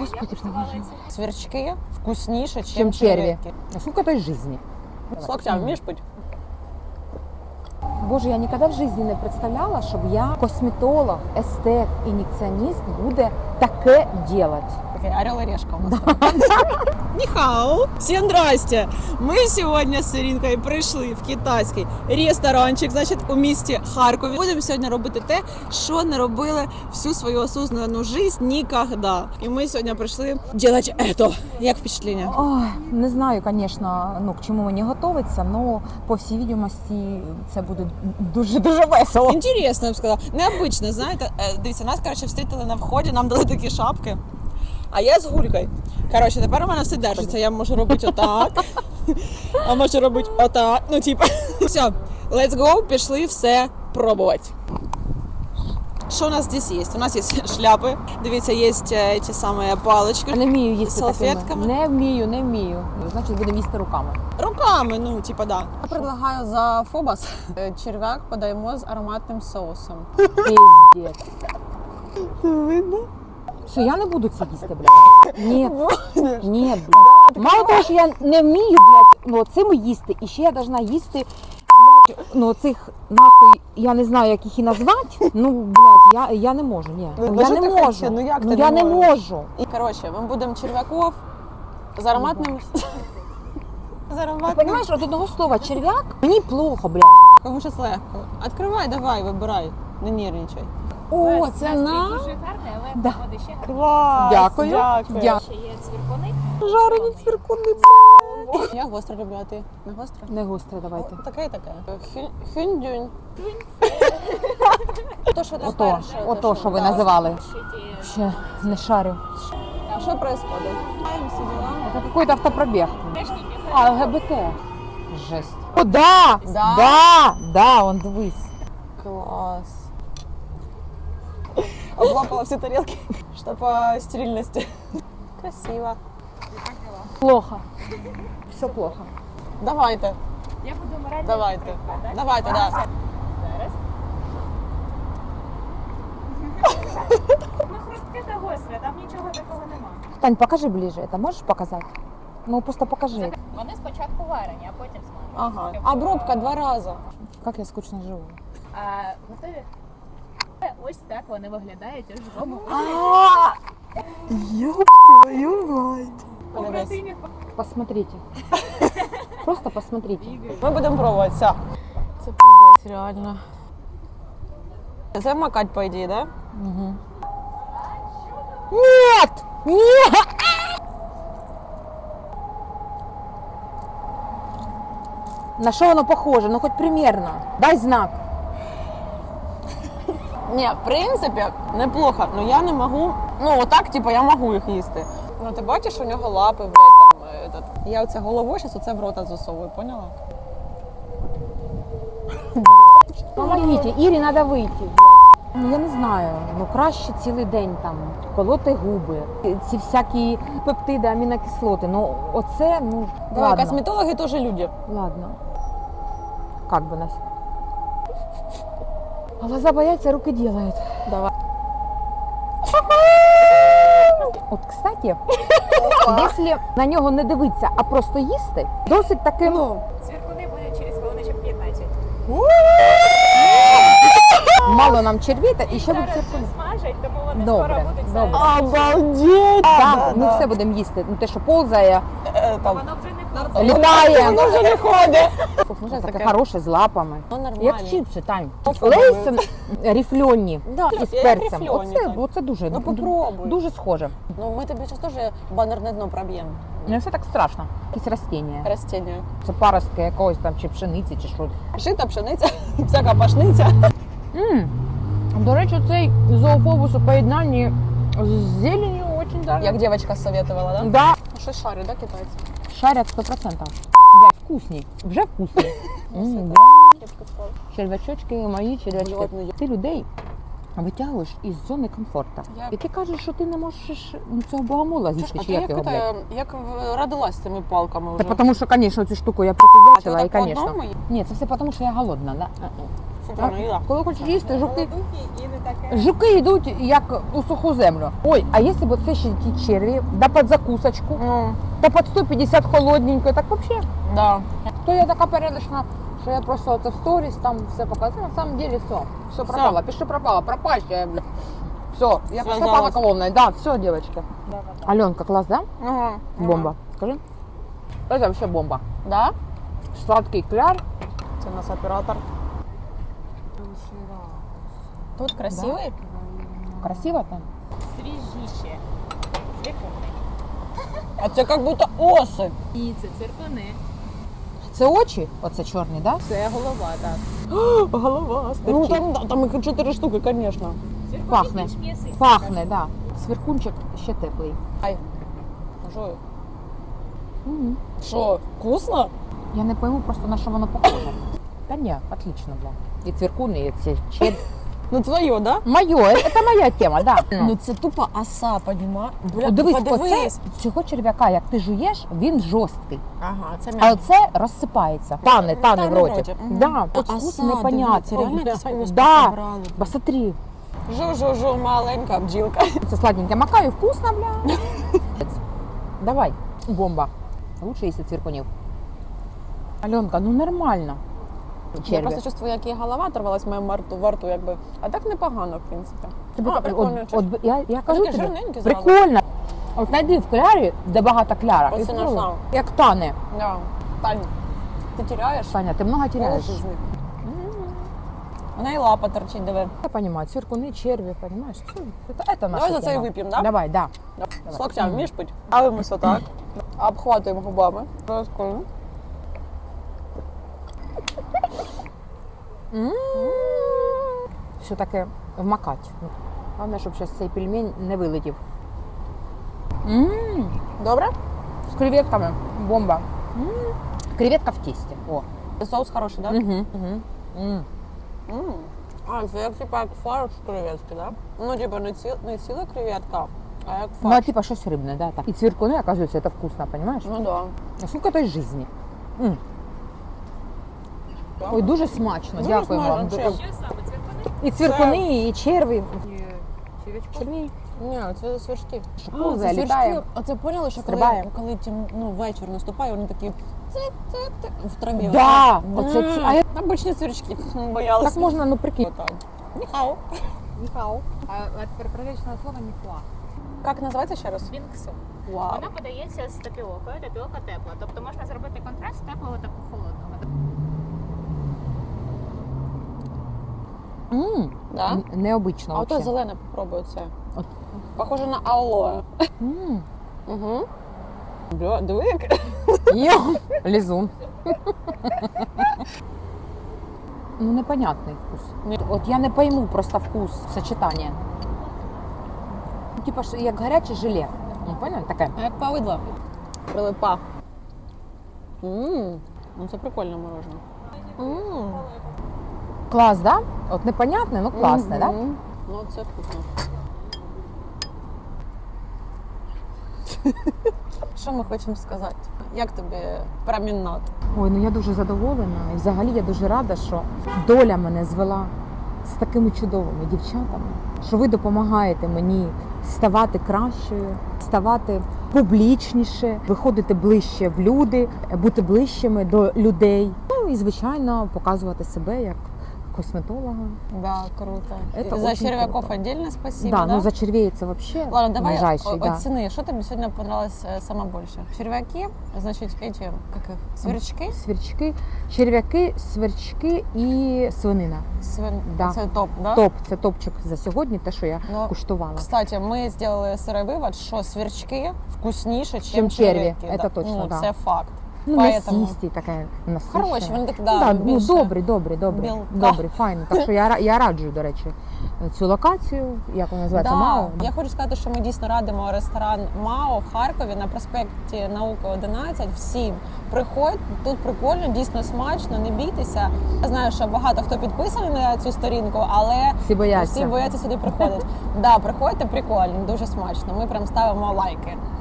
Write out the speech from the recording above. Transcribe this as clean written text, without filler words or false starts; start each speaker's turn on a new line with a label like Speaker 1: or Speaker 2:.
Speaker 1: Господи, поможи.
Speaker 2: Сверчки вкусніше,
Speaker 1: Чем
Speaker 2: ніж
Speaker 1: черви. Сколько той жизни?
Speaker 2: С локтя вмієш пити?
Speaker 1: Боже, я ніколи в житті не представляла, щоб я косметолог, естет, ін'єкціоніст буде таке робити.
Speaker 2: Орел и решка у нас. Ніхао! Всім здрасте! Ми сьогодні з Іринкою прийшли в китайський ресторанчик, значить, у місті Харкові. Будемо сьогодні робити те, що не робили всю свою осознанну життя ніколи. І ми сьогодні прийшли робити це. Як впечатлення?
Speaker 1: Ой, не знаю, звісно, к чому мені готуватися, але по всій відомості це буде дуже-дуже весело.
Speaker 2: Інтересно, я б сказала. Необично, знаєте. Дивіться, нас, коротше, встрітили на вході, нам дали такі шапки. А я з гулькою. Коротше, тепер у мене все держиться. Я можу робити отак, а можу робити отак. Ну, типу, все, let's go, пішли все пробувати. Що у нас здесь є? У нас є шляпи, дивіться, є ті самі палички.
Speaker 1: Не вмію їсти
Speaker 2: з салфетками.
Speaker 1: Такими. Не вмію. Значить, будемо їсти руками.
Speaker 2: Руками, ну, типа, да. Я предлагаю за фобос черв'як подаємо з ароматним соусом.
Speaker 1: Пиздец.
Speaker 2: Видно?
Speaker 1: Все, я не буду це їсти, блядь. Ні, блядь. Мало того, що я не вмію, блядь, цим їсти, і ще я должна їсти, блядь, цих, нахуй, я не знаю, як їх і назвати, блядь, я не можу, ні. Я не можу, я не можу.
Speaker 2: І, коротше, ми будемо черв'яков з ароматним...
Speaker 1: Ти розумієш, от одного слова черв'як, мені плохо, блядь.
Speaker 2: Кому щось легко. Відкривай, давай, вибирай, не нервничай.
Speaker 1: О, це
Speaker 3: дуже гарне, але
Speaker 1: Да.
Speaker 3: буде ще гарне.
Speaker 2: Клас!
Speaker 1: Дякую.
Speaker 3: Ще є цвіркуни.
Speaker 1: Жарені цвіркуни.
Speaker 2: Я гостро люблю, а ти не гостро?
Speaker 1: Не гостре, давайте.
Speaker 2: Таке і таке. Хюндюнь.
Speaker 1: Ото, що ви називали.
Speaker 3: Шиті.
Speaker 1: Ще не шарю.
Speaker 2: А що відбувається? Всі діла.
Speaker 1: Это какой-то автопробег.
Speaker 3: Техніки.
Speaker 1: А, ЛГБТ. Жесть. О, да! Да, он дивись.
Speaker 2: Класс. Облапала все тарелки, что по стерильности. Красиво.
Speaker 1: Плохо. Все плохо.
Speaker 2: Давайте,
Speaker 3: Я буду морально.
Speaker 2: давайте. Давайте, да.
Speaker 3: Зараз. Ну, хрустке та гостре, там нічого такого нема.
Speaker 1: Тань, покажи ближе. Это можешь показать? Ну, просто покажи.
Speaker 3: Вони спочатку варені, а потім смажені.
Speaker 2: Ага. Обробка 2 рази.
Speaker 1: Как я скучно живу.
Speaker 3: А готові? Ось так вони виглядають у живому.
Speaker 1: Ёб твою мать.
Speaker 3: Побратимів.
Speaker 1: Посмотрите. Просто посмотрите.
Speaker 2: Ми будемо пробувати, все. Це пиздець, реально. Замакать, по ідеї, да?
Speaker 1: Угу. Нет! Нет! На что оно похоже? Ну, хоть примерно. Дай знак.
Speaker 2: Ні, в принципі, неплохо, але я не можу, отак, типу, я можу їх їсти. Ну, ти бачиш, у нього лапи, блядь, там, я оце головою зараз оце в рота засовую, поняла?
Speaker 1: Помогите, Ірі треба вийти. Ну, я не знаю, краще цілий день там колоти губи, ці всякі пептиди, амінокислоти. Ну, оце,
Speaker 2: Давай,
Speaker 1: ладно.
Speaker 2: косметологи теж люди.
Speaker 1: Ладно. Как бы нас. Глаза боятся, руки делают.
Speaker 2: Давай.
Speaker 1: От, кстати, якщо на нього не дивитися, а просто їсти, досить таким...
Speaker 3: Цвіркуни будуть через хвилиночок 15.
Speaker 1: Мало нам червіта і ще буде
Speaker 3: Зараз
Speaker 1: циркуль.
Speaker 3: вже смажать, тому вони
Speaker 1: Добре,
Speaker 3: скоро будуть
Speaker 1: добре.
Speaker 3: зараз.
Speaker 2: Обалдеть!
Speaker 1: Так, ми все будемо їсти. Те, що повзає,
Speaker 2: Там,
Speaker 3: Воно вже не повзає.
Speaker 1: літає.
Speaker 2: воно вже не ходить.
Speaker 1: Вже таке хороше з лапами.
Speaker 2: Ну, нормально.
Speaker 1: Як чіпси, Тань.
Speaker 2: Попробуй.
Speaker 1: Лейс ріфльонні
Speaker 2: Да,
Speaker 1: із
Speaker 2: як
Speaker 1: перцем.
Speaker 2: рифльоні, так.
Speaker 1: Оце дуже,
Speaker 2: Ну, попробуй.
Speaker 1: дуже схоже.
Speaker 2: Ну, ми тобі зараз теж банерне дно проб'ємо.
Speaker 1: Не все так страшно. Якісь растіння.
Speaker 2: Растіння.
Speaker 1: Це паростки якогось там, чи пшениці, чи що.
Speaker 2: Жита, пшениця, всяка пашниця.
Speaker 1: До речі, цей зоофобус у поєднанні з зеленью дуже даже.
Speaker 2: Як дівчинка советувала, да?
Speaker 1: Да.
Speaker 2: Щось шарить, да, китайці?
Speaker 1: Шарять 100%. Блядь, вкусні. Вже вкусні. Червячочки мої, червячки.
Speaker 2: Блядь,
Speaker 1: Ти людей витягуєш із зони комфорту.
Speaker 2: Як?
Speaker 1: І ти кажеш, що ти не можеш цього богомола з'їсти,
Speaker 2: А
Speaker 1: чи
Speaker 2: ти
Speaker 1: як його, блядь?
Speaker 2: як родилась з цими палками вже?
Speaker 1: Та тому що, звісно, цю штуку я
Speaker 2: А
Speaker 1: припіздячила,
Speaker 2: ти
Speaker 1: і,
Speaker 2: так по
Speaker 1: звісно.
Speaker 2: одному їй?
Speaker 1: Ні, це все тому, що я голодна, да?
Speaker 2: Шикарна їда.
Speaker 1: Коли хочеш їсти, жуки.
Speaker 2: І не таке.
Speaker 1: Жуки йдуть як у суху землю. Ой, а якщо б це ще ті черві, да під закусочку,
Speaker 2: Ну,
Speaker 1: та під 150 холодненько, так взагалі.
Speaker 2: да.
Speaker 1: То я така порядочна, що я просто це в сторіс там все показала. На самом деле все пропало, пиши пропало, пропащая, бля. Все, я пошла
Speaker 2: Связалась.
Speaker 1: по наклонной, да, все, девочки. Аленка, класс, да?
Speaker 2: Ага.
Speaker 1: Бомба. Скажи. Это вообще бомба.
Speaker 2: Да?
Speaker 1: Сладкий кляр.
Speaker 2: Це у нас оператор. Тут красивий.
Speaker 1: Красиво там.
Speaker 3: Свіжіше. Цвікуни.
Speaker 2: А це як будто оси.
Speaker 3: І це циркони.
Speaker 1: Це очі? Оце чорні, да?
Speaker 3: Це голова, так.
Speaker 2: Голова. Ну там їх 4 штуки, звісно.
Speaker 3: Циркони
Speaker 1: Пахне.
Speaker 3: більш м'ясисті.
Speaker 1: Пахне, да. Свіркунчик ще теплий.
Speaker 2: Ай. Що? Що, вкусно?
Speaker 1: Я не пойму просто на що воно похоже. Та ні, отлично, бля. І цвіркуни, і ці черві.
Speaker 2: Ну твоє, да?
Speaker 1: Моє, це моя тема, да.
Speaker 2: Ну це тупо оса, понімаєш?
Speaker 1: О, дивись, оце, цього черв'яка, як ти жуєш, він жорсткий.
Speaker 2: Ага, це
Speaker 1: А
Speaker 2: м'ясо.
Speaker 1: оце розсипається. Тане
Speaker 2: Тане
Speaker 1: в
Speaker 2: в
Speaker 1: роті.
Speaker 2: роті. Мгм.
Speaker 1: Да,
Speaker 2: А
Speaker 1: от вкус
Speaker 2: оса,
Speaker 1: непонятний.
Speaker 2: дивіться, реально якийсь вкус
Speaker 1: Да,
Speaker 2: брали.
Speaker 1: посмотри.
Speaker 2: Жу-жу-жу, маленька бджілка.
Speaker 1: Це сладеньке макаю, вкусно, бля. Давай, бомба. Лучше їсти цвіркунів. Альонка, ну нормально.
Speaker 2: Я
Speaker 1: Черві.
Speaker 2: просто чувствую, як її голова оторвалась в моєму рту, якби. А так непогано, в принципі.
Speaker 1: Тобі
Speaker 2: А, прикольно.
Speaker 1: я кажу
Speaker 2: Таке
Speaker 1: тобі,
Speaker 2: жирненьке зразу.
Speaker 1: прикольно. От знайди в клярі, де багато кляра.
Speaker 2: Оце
Speaker 1: і спробуй.
Speaker 2: знайшла.
Speaker 1: Як тане.
Speaker 2: Да. Тань, ти теряєш?
Speaker 1: Таня, ти много теряєш.
Speaker 2: Полжизни. Вона і лапа торчить, диви.
Speaker 1: Я понимаю, цвіркуни, черві, понимаешь? Это наша
Speaker 2: Давай за це і
Speaker 1: тема.
Speaker 2: вип'ємо, да?
Speaker 1: Давай, да.
Speaker 2: З локтя вмієш пити? Ставимося так. Обхватуємо губами. Розкольно.
Speaker 1: Все-таки вмакать. Головне, щоб зараз цей пельмень не вилетів.
Speaker 2: Добре?
Speaker 1: З креветками. Бомба. Креветка в тесті. О.
Speaker 2: Соус хороший, так? А, це як типа як фарш креветки, так? Ну, типа не ціла креветка, а як
Speaker 1: Ну, а
Speaker 2: фарш.
Speaker 1: типа щось рибне, да. Так. І цвіркуни, оказується, це вкусно, понимаешь?
Speaker 2: Ну да.
Speaker 1: А сколько той жизни. Ой, дуже смачно,
Speaker 2: Дуже
Speaker 1: дякую вам.
Speaker 2: смачно, чесно.
Speaker 3: Що саме цвікуни?
Speaker 1: І цвіркуни, і черві.
Speaker 3: Червячки.
Speaker 2: Ні, це свірчки.
Speaker 1: Шкура
Speaker 2: Це
Speaker 1: літає.
Speaker 2: свірчки. Оце поняли, що
Speaker 1: Стрибає.
Speaker 2: коли вечір наступає, вони такі в траві.
Speaker 1: Да,
Speaker 2: отак.
Speaker 1: оце ці- а я-
Speaker 2: Обичні свірчки. Боялися.
Speaker 1: Так можна, ну прикинь.
Speaker 2: Отак. Ніхау.
Speaker 1: Ніхау. А тепер приличне слово ніхуа.
Speaker 2: Як називається ще раз?
Speaker 3: Бінгсу.
Speaker 2: Вау.
Speaker 3: Вона подається з тапіокою, тапіока тепла. Тобто можна зробити контраст теплого та холодного.
Speaker 2: Да?
Speaker 1: Необично
Speaker 2: А ото
Speaker 1: вообще.
Speaker 2: зелене попробую це.
Speaker 1: От.
Speaker 2: Похоже на алоe. Угу. Бля, диви як.
Speaker 1: Йо, лізун. Ну, непонятний вкус.
Speaker 2: Ні.
Speaker 1: От я не пойму просто вкус сочетання. Ну, типа ж як гаряче желе. Ну, понял? Таке.
Speaker 2: А як повидло. Прилипа. Ну це прикольне мороженое.
Speaker 1: Клас, да? От непонятне, ну класне, да?
Speaker 2: Ну це вкусно. Що ми хочемо сказати? Як тобі промінат?
Speaker 1: Ой, ну я дуже задоволена. І взагалі я дуже рада, що доля мене звела з такими чудовими дівчатами, що ви допомагаєте мені ставати кращою, ставати публічніше, виходити ближче в люди, бути ближчими до людей. Ну і, звичайно, показувати себе як косметолога.
Speaker 2: Да, круто.
Speaker 1: Это
Speaker 2: І за
Speaker 1: очень
Speaker 2: черв'яков
Speaker 1: круто.
Speaker 2: отдельно спасибо.
Speaker 1: Да, ну за червей це вообще
Speaker 2: Ладно, давай
Speaker 1: ближайший, да.
Speaker 2: оціни, що тобі сьогодні понравилось саме більше? Черв'яки, значить, эти, как их, сверчки?
Speaker 1: Сверчки, черв'яки, сверчки і свинина. Да.
Speaker 2: Це топ, да?
Speaker 1: Топ, це топчик за сьогодні, те, що я
Speaker 2: Ну,
Speaker 1: куштувала.
Speaker 2: Кстати, ми зробили сирий вивод, що сверчки вкусніше,
Speaker 1: Чим
Speaker 2: ніж
Speaker 1: черві.
Speaker 2: черв'яки.
Speaker 1: Це точно,
Speaker 2: ну,
Speaker 1: да.
Speaker 2: Це факт.
Speaker 1: Ну,
Speaker 2: Поэтому-
Speaker 1: мясисті, таке насичене.
Speaker 2: Хороші, вони такі,
Speaker 1: Ну,
Speaker 2: да,
Speaker 1: да, ну,
Speaker 2: більше
Speaker 1: добрі,
Speaker 2: білка.
Speaker 1: добрі, файно. Так що я раджу, до речі, цю локацію, як вона називається,
Speaker 2: Да.
Speaker 1: МАО.
Speaker 2: Я хочу сказати, що ми дійсно радимо ресторан МАО в Харкові на проспекті Науки 11. Всім приходь, тут прикольно, дійсно смачно, не бійтеся. Я знаю, що багато хто підписаний на цю сторінку, але
Speaker 1: Всі бояться.
Speaker 2: всі бояться сюди приходити. Да, приходьте, прикольно, дуже смачно. Ми прям ставимо лайки.